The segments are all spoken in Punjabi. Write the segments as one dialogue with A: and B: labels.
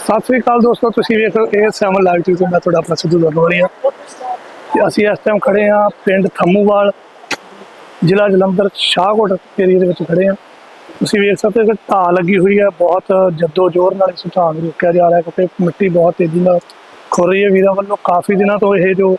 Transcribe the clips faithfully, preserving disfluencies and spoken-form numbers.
A: सत श्री अकाल दोस्तों, तुसीं वेख रहे हो सैवन लाइव टी वी। मैं तुहाडा अपना सिद्धू दरबारिया ते असीं इस टाइम खड़े हाँ पिंड थम्मूवाल, जिला जलंधर, शाहकोट एरिए दे विच खड़े हाँ। तुसीं वेख सकते हो कि ढाह लगी हुई है, बहुत जद्दो जोर नाल इस ढाह नूं रोकिया जा रहा है क्योंकि मिट्टी बहुत तेजी नाल खुर रही है। वीरां वल्लों काफ़ी दिनों तो यह जो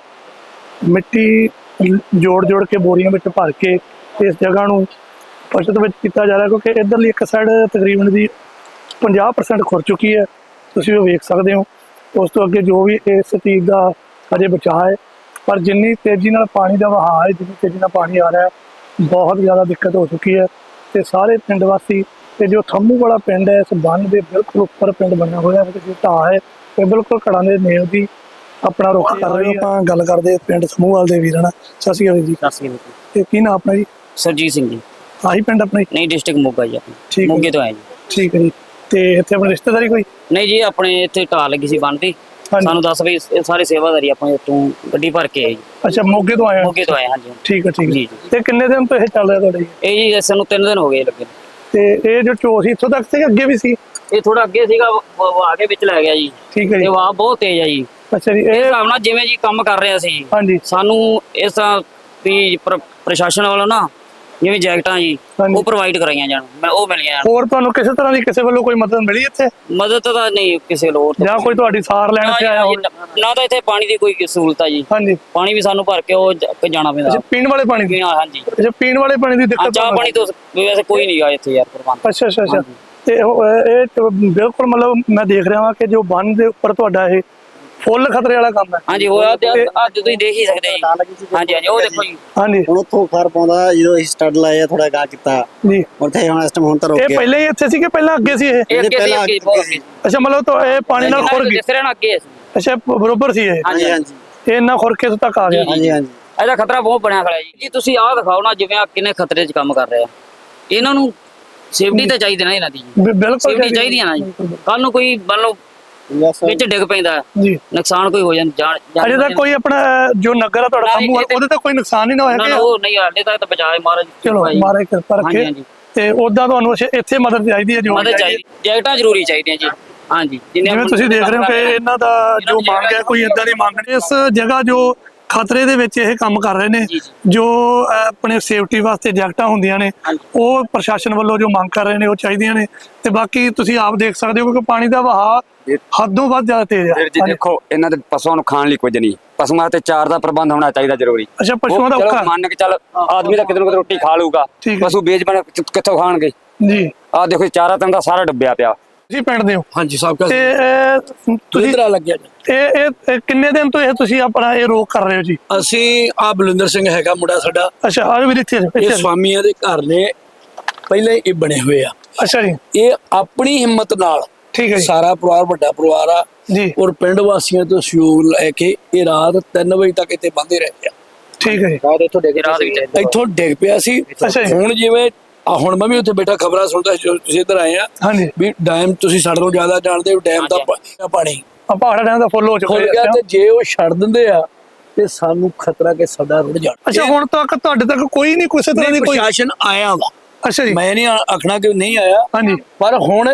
A: मिट्टी जोड़ जोड़ के बोरियां में भर के इस जगह नूं बचत विच कीता जा रहा है क्योंकि इधरली एक साइड तकरीबन दी पचास परसेंट खुर चुकी है। तुसीं वो वेख सकते हो। उस तो अगे जो भी इस चीज़ का अजे बचाव है, पर जिन्नी तेज़ी नाल पानी का वहाव है, जिन्नी तेज़ी नाल पानी आ रहा है, बहुत ज़्यादा दिक्कत हो चुकी है। तो सारे पिंड वासी ते जो थम्मू वाला पिंड है, इस बन के बिल्कुल उपर पिंड बनया हुआ है, जो ढाह है ये बिल्कुल घड़ां दे नेड़ की अपना रुख कर रहे हो। आप गल करते पिंड थम्मूवाल के वीर ना। सत श्री अकाल जी।
B: सत श्री अकाल
A: ते की नाम अपना जी?
B: सरजीत सिंह जी।
A: आही पिंड अपना?
B: नहीं, डिस्ट्रिक्ट मोगा जी अपनी।
A: ठीक है,
B: मोगे तो आए जी।
A: ठीक है जी। ते इत्थे अपनी रिश्तेदारी कोई?
B: नहीं जी, अपने इत्थे ढाह लगी सी बनती, सानू दस बजे ये सारे सेवादारी अपने उत्तों गड्डी भर के आए जी।
A: अच्छा, मोगे तो आए?
B: मोगे तो आए, हाँ जी।
A: ठीक है, ठीक है।
B: जी
A: ते किन्ने दिन तो ये चल रहा तुहाडे?
B: ये जी सानू तीन दिन हो गए लगे।
A: ते ये जो चो सी इत्थों तक से अगे भी सी?
B: ये थोड़ा अगे सीगा, वो वो आगे विच लै गया जी।
A: ठीक है जी।
B: ते वाह बहुत तेज है जी।
A: अच्छा जी।
B: इस
A: ये
B: हिसाब नाल जिवें जी काम कर रहे सी,
A: हाँ जी,
B: सानू इस तरह भी प्र- प्रशासन वालों ना जिवें जैकटां जी
A: हाँ जी।
B: वो प्रोवाइड कराइयां जाण, मैं वो मिल गया।
A: ਹੋਰ ਤੁਹਾਨੂੰ ਕਿਸੇ ਤਰ੍ਹਾਂ ਦੀ ਕਿਸੇ ਵੱਲੋਂ ਕੋਈ ਮਦਦ ਮਿਲੀ ਇੱਥੇ
B: मदद तो नहीं किसी लोग
A: ਜਾਂ ਕੋਈ ਤੁਹਾਡੀ ਸਾਰ ਲੈਣ ਤੇ ਆਇਆ ਹੋਵੇ?
B: ना तो इतने पानी की कोई सहूलत है जी।
A: ਹਾਂਜੀ।
B: पानी भी सानू भर के वो ज- जाना पैंदा।
A: ਅੱਛਾ, ਪੀਣ ਵਾਲੇ ਪਾਣੀ ਦੀ?
B: पीना, हाँ जी।
A: ਅੱਛਾ, ਪੀਣ ਵਾਲੇ ਪਾਣੀ ਦੀ
B: हाँ,
A: ਦਿੱਕਤ?
B: चाह पानी तो वैसे कोई नहीं गा इतने यार प्रबंध।
A: ਅੱਛਾ ਅੱਛਾ ਅੱਛਾ।
B: हाँ जी।
A: ਤੇ ਉਹ, ਇਹ ਤੇ ਬਿਲਕੁਲ ਮਤਲਬ ਮੈਂ ਦੇਖ ਰਿਹਾ ਹਾਂ ਕਿ ਜੋ ਬੰਨ ਦੇ ਉੱਪਰ ਤੁਹਾਡਾ ਇਹ ਫੁੱਲ ਖਤਰੇ ਵਾਲਾ ਕੰਮ ਹੈ।
B: हाँ जी, वो अज तुम देख ही सकते जी। हाँ जी, हाँ जी, वो देखो जी।
A: ਹਾਂਜੀ
C: ਹੁਣ ਉੱਥੋਂ ਫਰ ਪਾਉਂਦਾ ਜਦੋਂ ਅਸੀਂ ਸਟੱਡ ਲਾਏ ਆ ਥੋੜਾ ਗਾ ਕੀਤਾ
A: ਜੀ।
C: ਉੱਥੇ ਹੁਣ ਇਸ ਟਾਈਮ ਹੁਣ ਤਾਂ ਰੁਕ
A: ਇਹ
C: ਗਿਆ।
A: ਪਹਿਲੇ ਹੀ ਇੱਥੇ ਸੀ ਕਿ ਪਹਿਲਾਂ ਅੱਗੇ ਸੀ ਇਹ?
B: ये अगे सी,
C: पहला
B: अगे
C: अगे
B: बहुत
C: सी।
B: अगे।
A: ਅੱਛਾ, ਮਤਲਬ ਤਾਂ ਇਹ ਪਾਣੀ ਨਾਲ ਖੁਰ ਗਈ?
B: दिख रहे ना अगे सी।
A: ਅੱਛਾ, ਬਰੋਬਰ ਸੀ ਇਹ?
B: हाँ जी,
C: ਹਾਂਜੀ
B: हाँ जी।
C: ਹਾਂਜੀ
A: ਇਹ ਇੰਨਾ ਖੁਰ ਕੇ ਇੱਥੋਂ ਤੱਕ ਆ ਗਿਆ?
C: ਹਾਂਜੀ ਹਾਂਜੀ
B: ਇਹਦਾ ਖਤਰਾ ਬਹੁਤ ਬਣਿਆ ਖੜਾ ਜੀ। ਜੀ ਤੁਸੀਂ ਆਹ ਦਿਖਾਓ ਨਾ, ਜਿਵੇਂ ਆ ਕਿੰਨੇ ਖਤਰੇ 'ਚ ਕੰਮ ਕਰ ਰਹੇ ਆ। ਇਹਨਾਂ ਨੂੰ ਸੇਫਟੀ ਤਾਂ ਚਾਹੀਦੀ ਨਾ ਇਹਨਾਂ ਦੀ।
A: ਬਿ- ਬਿਲਕੁਲ
B: ਸੇਫਟੀ ਚਾਹੀਦੀ ਆ ਨਾ ਜੀ। ਕੱਲ ਨੂੰ ਕੋਈ ਮੰਨ ਲਓ
C: ਯਸ
B: ਵਿੱਚ ਡਿੱਗ ਪੈਂਦਾ,
A: ਜੀ।
B: ਨੁਕਸਾਨ ਕੋਈ ਹੋ ਜਾਂਦਾ ਜਾਨ ਜਾਨ-
A: ਅਜੇ ਤੱਕ ਕੋਈ ਆਪਣਾ ਜੋ ਨਗਰ ਆ ਤੁਹਾਡਾ
B: ਨਾ,
A: ਥੰਮੂ
B: ਇਹ-
A: ਉਹਦੇ ਤੇ ਕੋਈ ਨੁਕਸਾਨ ਨਹੀਂ ਨਾ ਹੋਇਆ
B: ਨਾ
A: ਕਿ?
B: ਨਾ ਉਹ ਨਹੀਂ, ਹਾਲੇ ਤੱਕ ਤਾਂ ਬਚਾਏ ਮਹਾਰਾਜ।
A: ਚਲੋ ਮਾਰੇ ਕਿਰਪਾ
B: ਹਾਂਜੀ,
A: ਰੱਖੇ।
B: ਹਾਂਜੀ।
A: ਤੇ ਉਦਾਂ ਤੁਹਾਨੂੰ ਅੱਛਾ ਇੱਥੇ ਮਦਦ ਚਾਹੀਦੀ ਹੈ? ਜੋ
B: ਮਦਦ ਚਾਹੀਦੀ, ਜੈਕਟਾਂ ਜ਼ਰੂਰੀ ਚਾਹੀਦੀਆਂ ਜੀ। ਹਾਂਜੀ,
A: ਜਿਵੇਂ ਤੁਸੀਂ ਦੇਖ ਰਹੇ ਹੋ ਕਿ ਇਹਨਾਂ ਦਾ ਜੋ ਮੰਗ ਹੈ ਕੋਈ ਇਦਾਂ ਦੀ ਮੰਗ ਨਹੀਂ। ਇਸ ਜਗ੍ਹਾ ਜੋ ਖਤਰੇ ਦੇ ਵਿੱਚ ਇਹ ਕੰਮ ਕਰ ਰਹੇ ਨੇ,
B: ਜੀ,
A: ਜੋ ਅਹ, ਆਪਣੇ ਸੇਫਟੀ ਵਾਸਤੇ ਜੈਕਟਾਂ ਹੁੰਦੀਆਂ ਨੇ,
B: ਹਾਂਜੀ।
A: ਉਹ ਪ੍ਰਸ਼ਾਸਨ ਵੱਲੋਂ ਜੋ ਮੰਗ ਕਰ ਰਹੇ ਨੇ ਉਹ ਚਾਹੀਦੀਆਂ ਨੇ। ਤੇ ਬਾਕੀ ਤੁਸੀਂ ਆਪ ਦੇਖ ਸਕਦੇ ਹੋ ਕਿ ਪਾਣੀ ਦਾ ਵਹਾਅ ਹੱਦੋਂ ਵੱਧ ਜ਼ਿਆਦਾ ਤੇਜ਼
D: ਵੀਰ ਜੀ
A: ਹੈ।
D: ਦੇਖੋ, ਇਹਨਾਂ ਦੇ ਪਸ਼ੂਆਂ ਨੂੰ ਖਾਣ ਲਈ ਕੁਝ ਨਹੀਂ, ਪਸ਼ੂਆਂ ਤੇ ਚਾਰ ਦਾ ਪ੍ਰਬੰਧ ਹੋਣਾ ਚਾਹੀਦਾ ਜ਼ਰੂਰੀ।
A: ਅੱਛਾ, ਪਸ਼ੂਆਂ ਦਾ
D: ਉਹ ਚਲੋ
A: ਔਖਾ?
D: ਮੰਨ ਕੇ ਚੱਲ ਆਦਮੀ ਤਾਂ ਕਿਤੇ ਨਾ ਕਿਤੇ ਰੋਟੀ ਖਾ ਲੂਗਾ,
A: ਠੀਕ ਹੈ।
D: ਪਸ਼ੂ ਬੇਜਬਨ ਕਿੱਥੋਂ ਖਾਣਗੇ?
A: ਜੀ।
D: ਆਹ ਦੇਖੋ ਚਾਰਾ ਤੰਗ ਦਾ ਸਾਰਾ ਡੁੱਬਿਆ ਪਿਆ।
A: ਤੁਸੀਂ ਪਿੰਡ ਦੇ ਹੋ?
E: ਹਾਂਜੀ ਸਾਹਿਬ ਕਾ
A: ਤੇ ਅਹ, ਤੁਸੀਂ
E: ਇਧਰ ਲੱਗਿਆ ਜੀ।
A: ਇਹ ਇਹ ਇਹ ਕਿੰਨੇ ਦਿਨ ਤੋਂ ਇਹ ਤੁਸੀਂ ਆਪਣਾ ਇਹ ਰੋਕ ਕਰ ਰਹੇ ਹੋ ਜੀ?
E: ਅਸੀਂ ਆ ਬਲਿੰਦਰ ਸਿੰਘ ਹੈਗਾ ਮੁੰਡਾ ਸਾਡਾ,
A: ਅੱਛਾ, ਆ ਵੀ ਇੱਥੇ
E: ਇਹ
A: ਇੱਥੇ।
E: ਸਵਾਮੀਆਂ ਦੇ ਘਰ ਨੇ ਪਹਿਲਾਂ ਹੀ ਇਹ ਬਣੇ ਹੋਏ ਆ।
A: ਅੱਛਾ ਜੀ,
E: ਇਹ ਆਪਣੀ ਹਿੰਮਤ ਨਾਲ
A: ਠੀਕ ਹੈ ਜੀ।
E: ਸਾਰਾ ਪਰਿਵਾਰ ਵੱਡਾ ਪਰਿਵਾਰ ਆ
A: ਜੀ,
E: ਔਰ ਪਿੰਡ ਵਾਸੀਆਂ ਤੋਂ ਸਹਿਯੋਗ ਲੈ ਕੇ ਇਹ ਰਾਤ ਤਿੰਨ ਵਜੇ ਤੱਕ ਇੱਥੇ ਬੰਦੇ ਰਹੇ ਆ।
A: ਠੀਕ ਹੈ ਜੀ।
B: ਰਾਤ ਇੱਥੋਂ ਡਿੱਗ ਰਾਤ ਵਿੱਚ
E: ਇੱਥੋਂ ਡਿੱਗ ਪਿਆ ਸੀ।
A: ਅੱਛਾ ਜੀ।
E: ਹੁਣ ਜਿਵੇਂ ਆ ਹੁਣ ਮੈਂ ਵੀ ਉੱਥੇ ਬੈਠਾ ਖਬਰਾਂ ਸੁਣਦਾ ਸੀ ਜਦੋਂ ਤੁਸੀਂ ਇੱਧਰ ਆਏ ਆ
A: ਹਾਂਜੀ।
E: ਵੀ ਡੈਮ, ਤੁਸੀਂ ਸਾਡੇ ਤੋਂ ਜ਼ਿਆਦਾ ਜਾਣਦੇ ਹੋ ਡੈਮ ਦਾ ਪਾ- ਪਾਣੀ
A: ਆ ਪਹਾੜਾ ਡੈਮ ਦਾ ਫੁੱਲ ਹੋ ਚੁੱਕਾ
E: ਖੁੱਲ ਗਿਆ ਤੇ ਜੇ ਉਹ ਛੱਡ ਦਿੰਦੇ ਆ ਤੇ ਸਾਨੂੰ ਖਤਰਾ ਕਿ ਸਾਡਾ ਰੁੜ ਜਾਣਾ।
A: ਅੱਛਾ, ਹੁਣ ਤੱਕ ਤੁਹਾਡੇ ਤੱਕ ਕੋਈ ਨਹੀਂ ਕਿਸੇ ਤਰ੍ਹਾਂ ਦੀ ਕੋਈ?
E: ਪ੍ਰਸ਼ਾਸਨ ਆਇਆ ਵਾ,
A: ਅੱਛਾ ਜੀ।
E: ਮੈਂ ਨਹੀਂ ਆਖਣਾ ਕਿ ਨਹੀਂ ਆਇਆ,
A: ਹਾਂਜੀ,
E: ਪਰ ਹੁਣ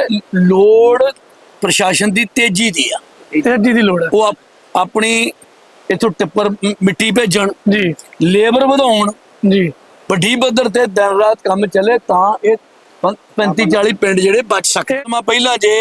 E: ਲੋੜ ਪ੍ਰਸ਼ਾਸਨ ਦੀ ਤੇਜ਼ੀ ਦੀ ਆ।
A: ਤੇਜ਼ੀ ਦੀ ਲੋੜ ਹੈ
E: ਉਹ ਆਪ- ਆਪਣੀ ਇਥੋਂ ਟਿੱਪਰ ਮ- ਮਿੱਟੀ ਭੇਜਣ,
A: ਜੀ।
E: ਲੇਬਰ ਵਧਾਉਣ,
A: ਜੀ,
E: ਵੱਡੀ ਪੱਧਰ ਤੇ ਦਿਨ ਰਾਤ ਕੰਮ ਚੱਲੇ ਤਾਂ ਇਹ ਪੈਂਤੀ ਚਾਲੀ ਪਿੰਡ ਜਿਹੜੇ ਬਚ ਸਕਦੇ। ਮੈਂ ਪਹਿਲਾਂ ਜੇ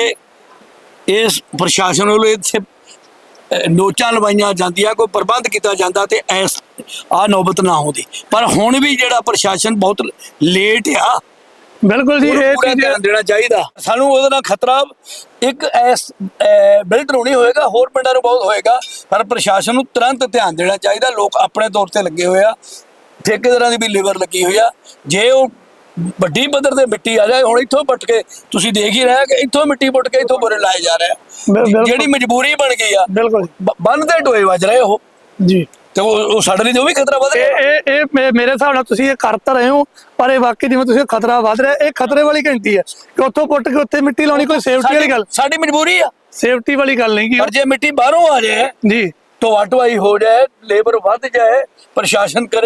E: ਇਸ ਪ੍ਰਸ਼ਾਸਨ ਵੱਲੋਂ ਇੱਥੇ ਅਹ, ਨੋਚਾਂ ਲਵਾਈਆਂ ਜਾਂਦੀਆਂ, ਕੋਈ ਪ੍ਰਬੰਧ ਕੀਤਾ ਜਾਂਦਾ ਤੇ ਐਸ ਆ ਨੌਬਤ ਨਾ ਆਉਂਦੀ, ਪਰ ਹੁਣ ਵੀ ਜਿਹੜਾ ਪ੍ਰਸ਼ਾਸਨ ਬਹੁਤ ਲੇਟ ਆ।
A: ਬਿਲਕੁਲ ਜੀ।
E: ਉਹਨੂੰ
A: ਇਹ
E: ਪੂਰਾ
A: ਚੀਜ਼
E: ਧਿਆਨ ਦੇਣਾ ਚਾਹੀਦਾ ਸਾਨੂੰ। ਉਹਦੇ ਨਾਲ ਖਤਰਾ ਇੱਕ ਐਸ ਬਿਲਟ ਨਹੀਂ ਹੋਏਗਾ, ਹੋਰ ਪਿੰਡਾਂ ਨੂੰ ਬਹੁਤ ਹੋਏਗਾ, ਪਰ ਪ੍ਰਸ਼ਾਸਨ ਨੂੰ ਤੁਰੰਤ ਧਿਆਨ ਦੇਣਾ ਚਾਹੀਦਾ। ਲੋਕ ਆਪਣੇ ਤੌਰ ਤੇ ਲੱਗੇ ਹੋਏ ਆ, ਠੇਕੇਦਾਰਾਂ ਦੀ ਵੀ ਲੇਬਰ ਲੱਗੀ ਹੋਈ ਆ। ਜੇ ਉਹ ਵੱਡੀ ਪੱਧਰ ਤੇ ਮਿੱਟੀ ਆ ਜਾਏ, ਹੁਣ ਇੱਥੋਂ ਪੁੱਟ ਕੇ ਤੁਸੀਂ ਦੇਖ ਹੀ ਰਹੇ ਕਿ ਇੱਥੋਂ ਮਿੱਟੀ ਪੁੱਟ ਕੇ ਇੱਥੋਂ ਬੋਰੇ ਲਾਏ ਜਾ ਰਹੇ ਆ,
A: ਬਿਲਕੁਲ।
E: ਜਿਹੜੀ ਮਜਬੂਰੀ ਬਣ ਗਈ ਆ।
A: ਬਿਲਕੁਲ
E: ਬ- ਬੰਨ ਤੇ ਟੋਏ ਵੱਜ ਰਹੇ ਉਹ,
A: ਜੀ।
E: ਤੇ ਉਹ ਉਹ ਸਾਡੇ ਲਈ ਤਾਂ ਉਹ ਵੀ ਖਤਰਾ ਵਧ
A: ਇਹ
E: ਰਿਹਾ।
A: ਇਹ ਇਹ ਮੇ- ਮੇਰੇ ਹਿਸਾਬ ਨਾਲ ਤੁਸੀਂ ਇਹ ਕਰ ਤਾਂ ਰਹੇ ਹੋ, ਪਰ ਇਹ ਵਾਕਈ ਜਿਵੇਂ ਤੁਸੀਂ ਖਤਰਾ ਵੱਧ ਰਿਹਾ, ਇਹ ਖਤਰੇ ਵਾਲੀ ਘੰਟੀ ਹੈ ਕਿ ਉੱਥੋਂ ਪੁੱਟ ਕੇ ਉੱਥੇ ਮਿੱਟੀ ਲਾਉਣੀ ਕੋਈ ਸੇਫਟੀ ਵਾਲੀ ਗੱਲ?
E: ਸਾਡੀ ਮਜਬੂਰੀ ਆ,
A: ਸੇਫਟੀ ਵਾਲੀ ਗੱਲ ਨਹੀਂ
E: ਪਰ
A: ਕੀ?
E: ਜੇ ਮਿੱਟੀ ਬਾਹਰੋਂ ਆ ਜਾਏ,
A: ਜੀ।
E: ਢੋਆ ਢੁਆਈ ਹੋ ਜਾਏ, ਲੇਬਰ ਵੱਧ ਜਾਏ, ਪ੍ਰਸ਼ਾਸਨ ਕਰੇ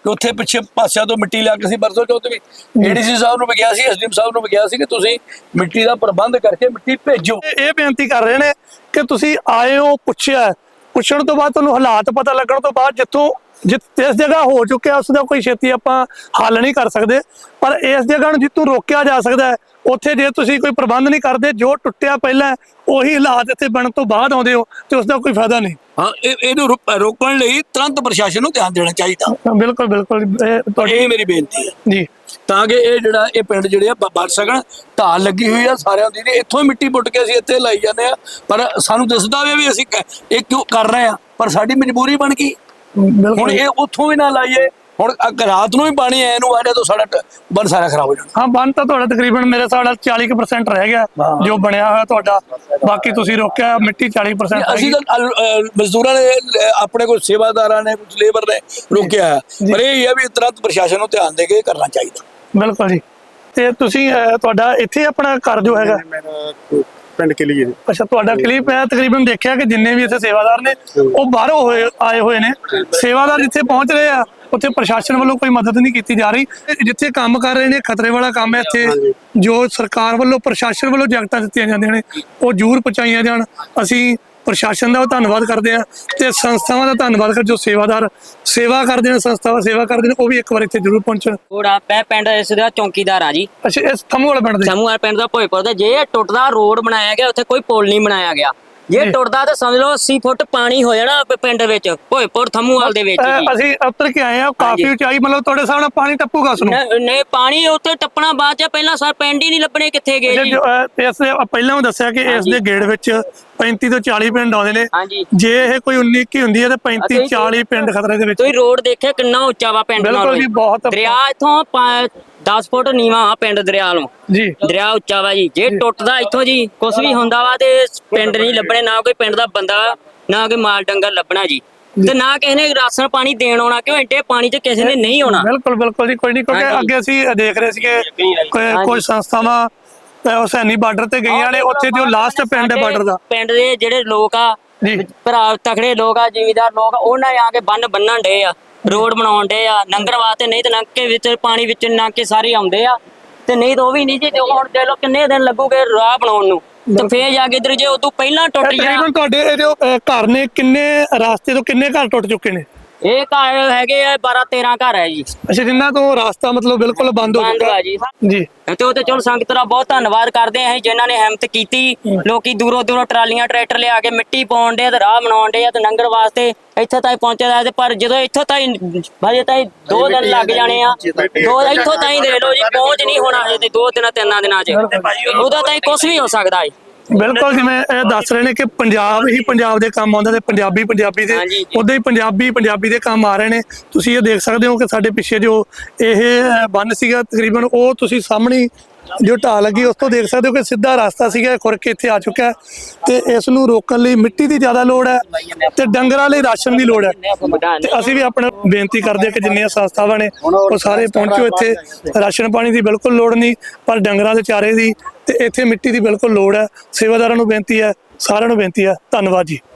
E: ਕਿ ਉੱਥੇ ਪਿੱਛੇ ਪਾਸਿਆਂ ਤੋਂ ਮਿੱਟੀ ਲਿਆ ਕੇ ਸੀ ਪਰਸੋਂ ਚੌਥ ਵੀ ਏਡੀਸੀ ਸਾਹਿਬ ਨੂੰ ਵੀ ਕਿਹਾ ਸੀ, ਐਸਡੀਐਮ ਸਾਹਿਬ ਨੂੰ ਵੀ ਕਿਹਾ ਸੀ ਕਿ ਤੁਸੀਂ ਮਿੱਟੀ ਦਾ ਪ੍ਰਬੰਧ ਕਰਕੇ ਮਿੱਟੀ ਭੇਜੋ।
A: ਇਹ ਬੇਨਤੀ ਕਰ ਰਹੇ ਨੇ ਕਿ ਤੁਸੀਂ ਆਏ ਹੋ, ਪੁੱਛਿਆ, ਪੁੱਛਣ ਤੋਂ ਬਾਅਦ ਤੁਹਾਨੂੰ ਹਾਲਾਤ ਪਤਾ ਲੱਗਣ ਤੋਂ ਬਾਅਦ ਜਿੱਥੋਂ ਜਿਸ ਜਗ੍ਹਾ ਹੋ ਚੁੱਕਿਆ ਉਸ ਦਾ ਕੋਈ ਛੇਤੀ ਆਪਾਂ ਹੱਲ ਨਹੀਂ ਕਰ ਸਕਦੇ, ਪਰ ਇਸ ਜਗ੍ਹਾ ਨੂੰ ਜਿੱਥੋਂ ਰੋਕਿਆ ਜਾ ਸਕਦਾ ਹੈ ਉੱਥੇ ਜੇ ਤੁਸੀਂ ਕੋਈ ਪ੍ਰਬੰਧ ਨਹੀਂ ਕਰਦੇ, ਜੋ ਟੁੱਟਿਆ ਪਹਿਲਾਂ ਉਹੀ ਹਾਲਾਤ ਇੱਥੇ ਬਣਨ ਤੋਂ ਬਾਅਦ ਆਉਂਦੇ ਹੋ ਤੇ ਉਸ ਦਾ ਕੋਈ ਫਾਇਦਾ ਨਹੀਂ।
E: ਹਾਂ, ਇਹ ਇਹਨੂੰ ਰੁਕ- ਰੋਕਣ ਲਈ ਤੁਰੰਤ ਪ੍ਰਸ਼ਾਸਨ ਨੂੰ ਧਿਆਨ ਦੇਣਾ ਚਾਹੀਦਾ।
A: ਬਿਲਕੁਲ ਬਿਲਕੁਲ ਇਹ ਤੁਹਾਡੀ
E: ਇਹ ਮੇਰੀ ਬੇਨਤੀ ਹੈ
A: ਜੀ,
E: ਤਾਂ ਕਿ ਇਹ ਜਿਹੜਾ ਇਹ ਪਿੰਡ ਜਿਹੜੇ ਆ ਬ- ਬਚ ਸਕਣ। ਢਾਲ ਲੱਗੀ ਹੋਈ ਆ ਸਾਰਿਆਂ ਦੀ, ਇੱਥੋਂ ਹੀ ਮਿੱਟੀ ਪੁੱਟ ਕੇ ਅਸੀਂ ਇੱਥੇ ਲਾਈ ਜਾਂਦੇ ਆ, ਪਰ ਸਾਨੂੰ ਦਿਸਦਾ ਵੀ ਵੀ ਅਸੀਂ ਕ- ਇਹ ਕਿਉਂ ਕਰ ਰਹੇ ਆ, ਪਰ ਸਾਡੀ ਮਜਬੂਰੀ ਬਣ ਗਈ। ਹੁਣ
A: ਬਿਲਕੁਲ।
E: ਇਹ ਉੱਥੋਂ ਵੀ ਨਾ ਲਾਈਏ, ਹੁਣ ਅ- ਰਾਤ ਨੂੰ ਵੀ ਪਾਣੀ ਆਏ ਨੂੰ ਆਜੇ ਤਾਂ ਸਾਡਾ ਟ- ਬੰਨ ਸਾਰਾ ਖਰਾਬ ਹੋ ਜਾਣਾ।
A: ਹਾਂ, ਬੰਨ ਤਾਂ ਤੁਹਾਡਾ ਤਕਰੀਬਨ ਮੇਰੇ ਹਿਸਾਬ ਨਾਲ ਚਾਲੀ ਕੁ percent ਰਹਿ ਗਿਆ ਜੋ ਬਣਿਆ ਹੋਇਆ ਤੁਹਾਡਾ, ਬਾਕੀ ਤੁਸੀਂ ਰੋਕਿਆ ਮਿੱਟੀ ਚਾਲੀ percent ਰਹਿ
E: ਅਸੀਂ
A: ਗਈ।
E: ਤਾਂ ਅਲ- ਅ, ਮਜ਼ਦੂਰਾਂ ਨੇ ਅ, ਆਪਣੇ ਕੋਲ ਸੇਵਾਦਾਰਾਂ ਨੇ ਕੁਝ ਲੇਬਰ ਨੇ ਰੋਕਿਆ ਹੈ। ਪਰ ਇਹ ਹੈ ਵੀ ਤੁਰੰਤ ਪ੍ਰਸ਼ਾਸਨ ਨੂੰ ਧਿਆਨ ਦੇ ਕੇ ਕਰਨਾ ਚਾਹੀਦਾ।
A: ਬਿਲਕੁਲ ਜੀ। ਤੇ ਤੁਸੀਂ ਅਹ, ਤੁਹਾਡਾ ਇੱਥੇ ਆਪਣਾ ਘਰ ਜੋ ਹੈਗਾ,
C: ਮੇਰਾ ਪਿੰਡ ਕੇ ਲਈ
A: ਅੱਛਾ ਤੁਹਾਡਾ ਕਲੀਪ ਮੈਂ ਤਕਰੀਬਨ ਦੇਖਿਆ ਕਿ ਜਿੰਨੇ ਵੀ ਇੱਥੇ ਸੇਵਾਦਾਰ ਨੇ ਉਹ ਬਾਹਰੋਂ ਹੋਏ ਆਏ ਹੋਏ ਨੇ। ਸੇਵਾਦਾਰ ਜਿੱਥੇ ਪਹੁੰਚ ਰਹੇ ਆ ਉੱਥੇ ਪ੍ਰਸ਼ਾਸਨ ਵੱਲੋਂ ਕੋਈ ਮਦਦ ਨਹੀਂ ਕੀਤੀ ਜਾ ਰਹੀ। ਜਿੱਥੇ ਕੰਮ ਕਰ ਰਹੇ ਨੇ ਖਤਰੇ ਵਾਲਾ ਕੰਮ ਹੈ ਇੱਥੇ, ਜੋ ਸਰਕਾਰ ਵੱਲੋਂ ਪ੍ਰਸ਼ਾਸਨ ਵੱਲੋਂ ਜੈਕਟਾਂ ਦਿੱਤੀਆਂ ਜਾਂਦੀਆਂ ਨੇ ਉਹ ਜ਼ਰੂਰ ਪਹੁੰਚਾਈਆਂ ਜਾਣ। ਅਸੀਂ ਪ੍ਰਸ਼ਾਸਨ ਦਾ ਧੰਨਵਾਦ ਕਰਦੇ ਆ ਤੇ ਸੰਸਥਾਵਾਂ ਦਾ ਧੰਨਵਾਦ ਕਰ ਜੋ ਸੇਵਾਦਾਰ ਸੇਵਾ ਕਰਦੇ ਨੇ, ਸੰਸਥਾਵਾਂ ਸੇਵਾ ਕਰਦੇ ਨੇ, ਉਹ ਵੀ ਇੱਕ ਵਾਰ ਇੱਥੇ ਜ਼ਰੂਰ ਪਹੁੰਚਣ।
B: ਥੋੜਾ ਮੈਂ ਪਿੰਡ ਇਸ ਦਾ ਚੌਕੀਦਾਰ ਆ ਜੀ,
A: ਅੱਛਾ, ਇਸ ਥੰਮੂ ਵਾਲੇ ਪਿੰਡ ਦੇ
B: ਸਮੂਹ ਪਿੰਡ ਦਾ ਭੋਇਪੁਰ ਦਾ। ਜੇ ਇਹ ਟੁੱਟਦਾ ਰੋਡ ਬਣਾਇਆ ਗਿਆ ਉੱਥੇ ਕੋਈ ਪੁਲ ਨਹੀਂ ਬਣਾਇਆ ਗਿਆ। ਜੇ
A: ਜੀ।
B: ਟੁੱਟਦਾ ਤਾਂ ਸਮਝ ਲਓ ਅੱਸੀ ਫੁੱਟ ਪਾਣੀ ਹੋ ਜਾਣਾ ਪ- ਪਿੰਡ ਵਿੱਚ ਭੋਇਪੁਰ ਥੰਮੂਵਾਲ ਦੇ ਵਿੱਚ
A: ਅਹ,
B: ਜੀ।
A: ਅਸੀਂ ਉੱਤਰ ਕੇ ਆਏ ਆ, ਕਾਫੀ
B: ਹਾਂਜੀ।
A: ਉਚਾਈ, ਮਤਲਬ ਤੁਹਾਡੇ ਸਾਹਮਣੇ ਪਾਣੀ ਟੱਪੂਗਾ ਉਸ ਨੂੰ।
B: ਨ- ਨਹੀਂ ਪਾਣੀ ਉੱਤੇ ਟੱਪਣਾ ਬਾਅਦ ਚ, ਪਹਿਲਾਂ ਸਰ ਪਿੰਡ ਹੀ ਨਹੀਂ ਲੱਭਣੇ ਕਿੱਥੇ ਗਏ ਜੀ।
A: ਜੋ, ਅਹ, ਇਸ ਦੇ ਪਹਿਲਾਂ ਵੀ ਦੱਸਿਆ ਕਿ ਇਸ ਦੇ ਗੇੜ ਵਿੱਚ ਪੈਂਤੀ ਤੋਂ ਚਾਲੀ ਪਿੰਡ ਆਉਂਦੇ ਨੇ।
B: ਹਾਂਜੀ,
A: ਜੇ ਇਹ ਕੋਈ ਉੱਨੀ ਇੱਕੀ ਹੁੰਦੀ ਹੈ ਤਾਂ ਪੈਂਤੀ
B: ਅਸੀਂ-
A: ਚਾਲੀ ਪਿੰਡ ਖਤਰੇ ਦੇ ਵਿੱਚ।
B: ਤੁਸੀਂ ਰੋਡ ਦੇਖਿਆ ਕਿੰਨਾ ਉੱਚਾ ਵਾ ਪਿੰਡ
A: ਬਿਲਕੁਲ
B: ਨਾਲੋਂ।
A: ਜੀ, ਬਹੁਤ
B: ਦਰਿਆ ਇਥੋਂ ਦਸ ਫੁੱਟ ਨੀਵਾ ਆ ਪਿੰਡ ਦਰਿਆ ਨੂੰ।
A: ਜੀ
B: ਦਰਿਆ ਉੱਚਾ ਵਾ ਜੀ। ਜੇ ਟੁੱਟਦਾ ਇੱਥੋਂ ਜੀ ਕੁਝ ਵੀ ਹੁੰਦਾ ਵਾ ਤੇ ਪਿੰਡ ਨਹੀਂ ਲੱਭਣੇ, ਨਾ ਕੋਈ ਪਿੰਡ ਦਾ ਬੰਦਾ, ਨਾ ਕੋਈ ਮਾਲ ਡੰਗਰ ਲੱਭਣਾ ਜੀ, ਤੇ ਨਾ ਕਿਸੇ ਨੇ ਰਾਸ਼ਨ ਪਾਣੀ ਦੇਣ ਆਉਣਾ, ਕਿਉਂ ਐਡੇ ਪਾਣੀ 'ਚ ਕਿਸੇ ਨੇ ਨਹੀਂ ਆਉਣਾ।
A: ਬਿਲਕੁਲ ਬਿਲਕੁਲ ਜੀ, ਕੋਈ ਨਹੀਂ, ਕਿਉਂਕਿ
B: ਹਾਂਜੀ।
A: ਅੱਗੇ ਅਸੀਂ ਦੇਖ ਰਹੇ ਸੀਗੇ ਕੋਈ ਕੋਈ ਸੰਸਥਾਵਾਂ ਅਹ, ਹੁਸੈਨੀ ਬਾਰਡਰ ਤੇ ਗਈਆਂ ਨੇ, ਉੱਥੇ ਜੋ ਲਾਸਟ ਪਿੰਡ ਹੈ ਬਾਰਡਰ ਦਾ
B: ਪਿੰਡ ਦੇ ਜਿਹੜੇ ਲੋਕ ਆ
A: ਜੀ,
B: ਭਰਾ ਤਕੜੇ ਲੋਕ ਆ, ਜ਼ਿਮੀਦਾਰ ਲੋਕ ਆ, ਉਹਨਾਂ ਆ ਕੇ ਬੰਨ ਬੰਨਣ ਡੇ ਆ, ਰੋਡ ਬਣਾਉਣ ਡੇ ਆ ਲੰਘਣ ਵਾਸਤੇ। ਨਹੀਂ ਤੇ ਲੰਘ ਕੇ ਵਿੱਚ ਪਾਣੀ ਵਿੱਚ ਲੰਘ ਕੇ ਸਾਰੇ ਆਉਂਦੇ ਆ, ਤੇ ਨਹੀਂ ਤਾਂ ਉਹ ਵੀ ਨਹੀਂ ਜੀ। ਤੇ ਹੁਣ ਦੇਖ ਲਓ ਕਿੰਨੇ ਦਿਨ ਲੱਗੂਗੇ ਰਾਹ ਬਣਾਉਣ ਨੂੰ, ਤੇ ਫੇਰ ਜਾ ਕੇ ਇਧਰ ਜੇ ਉਦੋਂ ਪਹਿਲਾਂ ਟੁੱਟ ਜਾਣਾ।
A: ਤਕਰੀਬਨ ਤੁਹਾਡੇ ਇਹ ਜੋ ਅਹ, ਘਰ ਨੇ, ਕਿੰਨੇ ਰਾਸਤੇ ਤੋਂ ਕਿੰਨੇ ਘਰ ਟੁੱਟ ਚੁੱਕੇ ਨੇ?
B: ਇਹ ਘਰ ਹੈਗੇ ਆ ਬਾਰਾਂ ਤੇਰਾਂ ਘਰ ਹੈ ਜੀ,
A: ਅੱਛਾ, ਜਿੰਨਾ ਤੋਂ ਰਾਸਤਾ ਮਤਲਬ ਬਿਲਕੁਲ ਬੰਦ ਹੋ
B: ਬੰਦ
A: ਚੁੱਕਾ
B: ਆ ਜੀ।
A: ਜੀ।
B: ਤੇ ਉਹ ਤੇ ਚਲੋ ਸੰਗਤ ਦਾ ਬਹੁਤ ਧੰਨਵਾਦ ਕਰਦੇ ਆ ਅਸੀਂ, ਜਿਨ੍ਹਾਂ ਨੇ ਹਿੰਮਤ ਕੀਤੀ। ਲੋਕੀ ਦੂਰੋਂ ਦੂਰੋਂ ਟਰਾਲੀਆਂ ਟਰੈਕਟਰ ਲਿਆ ਕੇ ਮਿੱਟੀ ਪਾਉਣ ਦੇ ਤੇ ਰਾਹ ਬਣਾਉਣ ਦੇ ਆ ਤੇ ਲੰਘਣ ਵਾਸਤੇ ਇੱਥੇ ਤਾਈਂ ਪਹੁੰਚਿਆ। ਤੇ ਪਰ ਜਦੋਂ ਇੱਥੋਂ ਤਾਈਂ ਭਾਜੀ ਤਾਈਂ ਦੋ ਦਿਨ ਲੱਗ ਜਾਣੇ ਆ, ਦੋ ਇੱਥੋਂ ਤਾਈਂ ਦੇ ਲੋ ਜੀ, ਪਹੁੰਚ ਨਹੀਂ ਹੋਣਾ ਹਜੇ ਤੇ ਦੋ ਦਿਨਾਂ ਤਿੰਨਾਂ ਦਿਨਾਂ 'ਚ। ਉਹਦਾ ਤਾਈਂ ਕੁਝ ਵੀ ਹੋ ਸਕਦਾ ਹੈ।
A: ਬਿਲਕੁਲ, ਜਿਵੇਂ ਇਹ ਦੱਸ ਰਹੇ ਨੇ ਕਿ ਪੰਜਾਬ ਹੀ ਪੰਜਾਬ ਦੇ ਕੰਮ ਆਉਂਦਾ ਤੇ ਪੰਜਾਬੀ ਪੰਜਾਬੀ ਦੇ,
B: ਹਾਂਜੀ ਜੀ।
A: ਉਦਾਂ ਹੀ ਪੰਜਾਬੀ ਪੰਜਾਬੀ ਦੇ ਕੰਮ ਆ ਰਹੇ ਨੇ। ਤੁਸੀਂ ਇਹ ਦੇਖ ਸਕਦੇ ਹੋ ਕਿ ਸਾਡੇ ਪਿੱਛੇ ਜੋ ਇਹ ਬੰਨ ਸੀਗਾ ਤਕਰੀਬਨ, ਉਹ ਤੁਸੀਂ ਸਾਹਮਣੇ ਜੋ ਢਾਹ ਲੱਗੀ ਉਸ ਤੋਂ ਦੇਖ ਸਕਦੇ ਹੋ ਕਿ ਸਿੱਧਾ ਰਸਤਾ ਸੀਗਾ ਖੁਰ ਕੇ ਇੱਥੇ ਆ ਚੁੱਕਾ ਹੈ। ਤੇ ਇਸ ਨੂੰ ਰੋਕਣ ਲਈ ਮਿੱਟੀ ਦੀ ਜ਼ਿਆਦਾ ਲੋੜ ਹੈ ਤੇ ਡੰਗਰਾਂ ਲਈ ਰਾਸ਼ਨ ਦੀ ਲੋੜ ਹੈ। ਤੇ ਅਸੀਂ ਵੀ ਆਪਣਾ ਬੇਨਤੀ ਕਰਦੇ ਹਾਂ ਕਿ ਜਿੰਨੀਆਂ ਸੰਸਥਾਵਾਂ ਨੇ ਉਹ ਸਾਰੇ ਪਹੁੰਚੋ ਇੱਥੇ। ਰਾਸ਼ਨ ਪਾਣੀ ਦੀ ਬਿਲਕੁਲ ਲੋੜ ਨਹੀਂ, ਪਰ ਡੰਗਰਾਂ ਦੇ ਚਾਰੇ ਦੀ ਤੇ ਇੱਥੇ ਮਿੱਟੀ ਦੀ ਬਿਲਕੁਲ ਲੋੜ ਹੈ। ਸੇਵਾਦਾਰਾਂ ਨੂੰ ਬੇਨਤੀ ਹੈ, ਸਾਰਿਆਂ ਨੂੰ ਬੇਨਤੀ ਹੈ। ਧੰਨਵਾਦ ਜੀ।